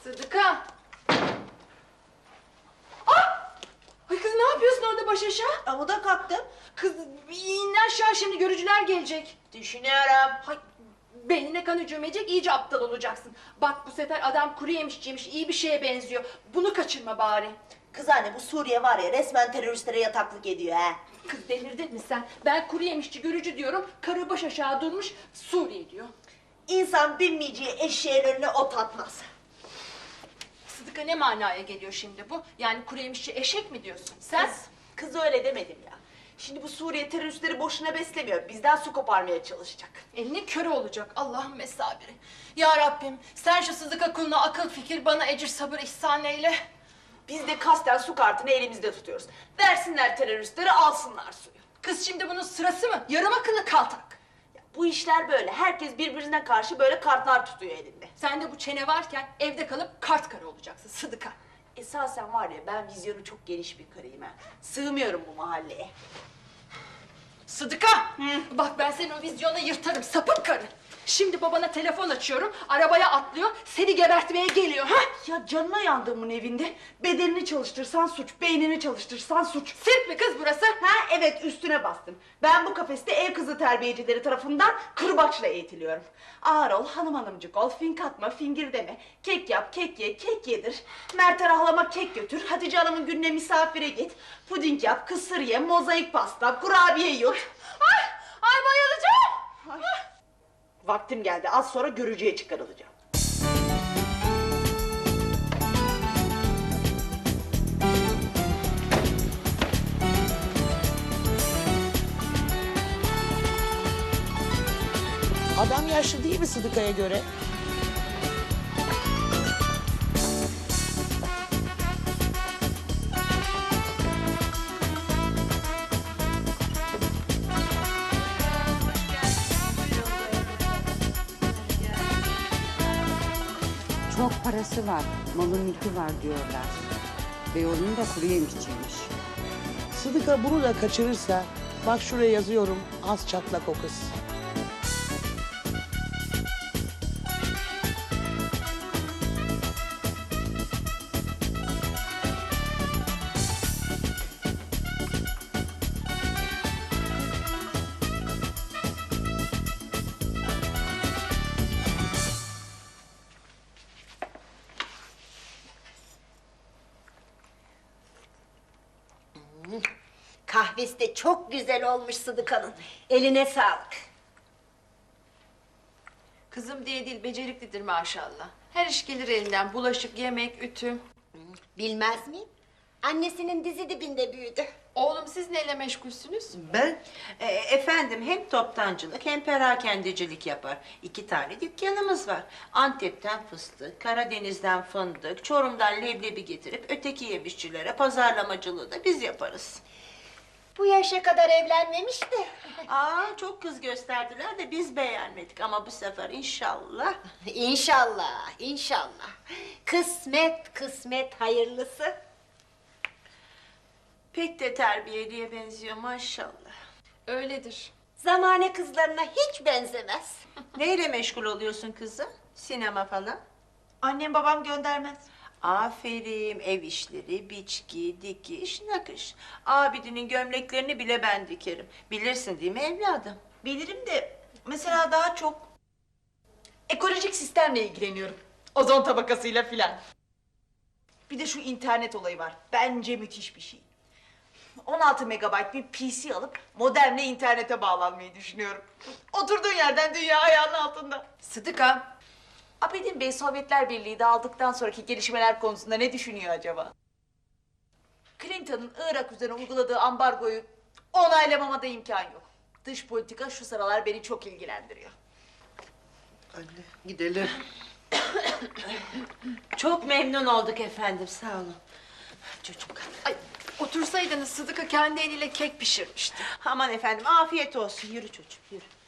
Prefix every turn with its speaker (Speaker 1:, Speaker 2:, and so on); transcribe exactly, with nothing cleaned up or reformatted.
Speaker 1: Sıdıka! Ah! Ay kız ne yapıyorsun orada baş aşağı?
Speaker 2: Amuda kalktım.
Speaker 1: Kız in aşağı şimdi görücüler gelecek.
Speaker 2: Düşünüyorum.
Speaker 1: Hay, beynine kan hücumecek iyice aptal olacaksın. Bak bu sefer adam kuru yemişçiymiş iyi bir şeye benziyor. Bunu kaçırma bari.
Speaker 2: Kız anne bu Suriye var ya resmen teröristlere yataklık ediyor ha.
Speaker 1: Kız delirdin mi sen? Ben kuru yemişçi görücü diyorum. Karı baş aşağı durmuş Suriye diyor.
Speaker 2: İnsan binmeyeceği eşeğin önüne ot atmaz.
Speaker 1: Sıdıka ne manaya geliyor şimdi bu? Yani kuru yemişçi eşek mi diyorsun? Sen?
Speaker 2: Kız, kız öyle demedim ya. Şimdi bu Suriye teröristleri boşuna beslemiyor. Bizden su koparmaya çalışacak.
Speaker 1: Elinin körü olacak. Allah'ım mesabiri. Ya Rabbim sen şu Sıdıka kuluna akıl fikir bana ecir sabır ihsan eyle.
Speaker 2: Biz de kasten su kartını elimizde tutuyoruz. Versinler teröristlere alsınlar suyu.
Speaker 1: Kız şimdi bunun sırası mı? Yarım akıllı kaltak.
Speaker 2: Ya, bu işler böyle. Herkes birbirine karşı böyle kartlar tutuyor elinde.
Speaker 1: Sen de bu çene varken evde kalıp kart karı olacaksın Sıdıka.
Speaker 2: Esasen var ya ben vizyonu çok geniş bir karıyım ha. Sığmıyorum bu mahalleye.
Speaker 1: Sıdıka! Hı. Bak ben senin o vizyonu yırtarım sapık karı. Şimdi babana telefon açıyorum, arabaya atlıyor, seni gebertmeye geliyor. Ha?
Speaker 2: Ya canına yandığımın evinde bedenini çalıştırsan suç, beynini çalıştırsan suç.
Speaker 1: Sirk mi kız burası?
Speaker 2: Ha evet üstüne bastım. Ben bu kafeste ev kızı terbiyecileri tarafından kırbaçla eğitiliyorum. Ağır ol, hanım hanımcık ol, fink atma, fingir deme. Kek yap, kek ye, kek yedir. Mert'e rahlama kek götür, Hatice Hanım'ın gününe misafire git. Puding yap, kısır ye, mozaik pasta, kurabiye yut.
Speaker 1: Ay, ay bayılacağım.
Speaker 2: Ay. Vaktim geldi, az sonra görücüye çıkarılacağım.
Speaker 3: Adam yaşlı değil mi Sıdıka'ya göre?
Speaker 4: Çok parası var, malı mülkü var diyorlar. Beyoğlu'nun da kuru yemişçiymiş.
Speaker 3: Sıdıka bunu da kaçırırsa, bak şuraya yazıyorum, az çatlak o kız.
Speaker 5: Kahvesi de çok güzel olmuş Sıdıka'nın. Eline sağlık.
Speaker 1: Kızım diye değil, beceriklidir maşallah. Her iş gelir elinden, bulaşık, yemek, ütü.
Speaker 5: Bilmez miyim? Annesinin dizi dibinde büyüdü.
Speaker 1: Oğlum siz neyle meşgulsünüz?
Speaker 6: Ben? E, efendim hem toptancılık hem perakendecilik yapar. İki tane dükkanımız var. Antep'ten fıstık, Karadeniz'den fındık, Çorum'dan leblebi getirip öteki yemişçilere pazarlamacılığı da biz yaparız.
Speaker 5: Bu yaşa kadar evlenmemiş de.
Speaker 6: Aa çok kız gösterdiler de biz beğenmedik ama bu sefer inşallah.
Speaker 5: İnşallah, inşallah. Kısmet, kısmet hayırlısı.
Speaker 6: Pek de terbiyeliye benziyor maşallah.
Speaker 1: Öyledir.
Speaker 5: Zamane kızlarına hiç benzemez.
Speaker 6: Neyle meşgul oluyorsun kızım? Sinema falan?
Speaker 2: Annem babam göndermez.
Speaker 6: Aferin, ev işleri, biçki, dikiş, nakış. Abidinin gömleklerini bile ben dikerim. Bilirsin değil mi evladım?
Speaker 2: Bilirim de mesela daha çok ekolojik sistemle ilgileniyorum. Ozon tabakasıyla filan. Bir de şu internet olayı var. Bence müthiş bir şey. on altı megabayt bir P C alıp modemle internete bağlanmayı düşünüyorum. Oturduğun yerden dünya ayağının altında.
Speaker 1: Sıdıka,
Speaker 2: Abidin Bey Sovyetler Birliği dağıldıktan sonraki gelişmeler konusunda ne düşünüyor acaba? Clinton'ın Irak üzerine uyguladığı ambargoyu onaylamama da imkan yok. Dış politika şu sıralar beni çok ilgilendiriyor.
Speaker 3: Anne, gidelim.
Speaker 6: Çok memnun olduk efendim, sağ olun. Çocuğum kalk.
Speaker 1: ay otursaydınız Sıdıka kendi eliyle kek pişirmişti.
Speaker 6: Aman efendim, afiyet olsun. Yürü çocuğum, yürü.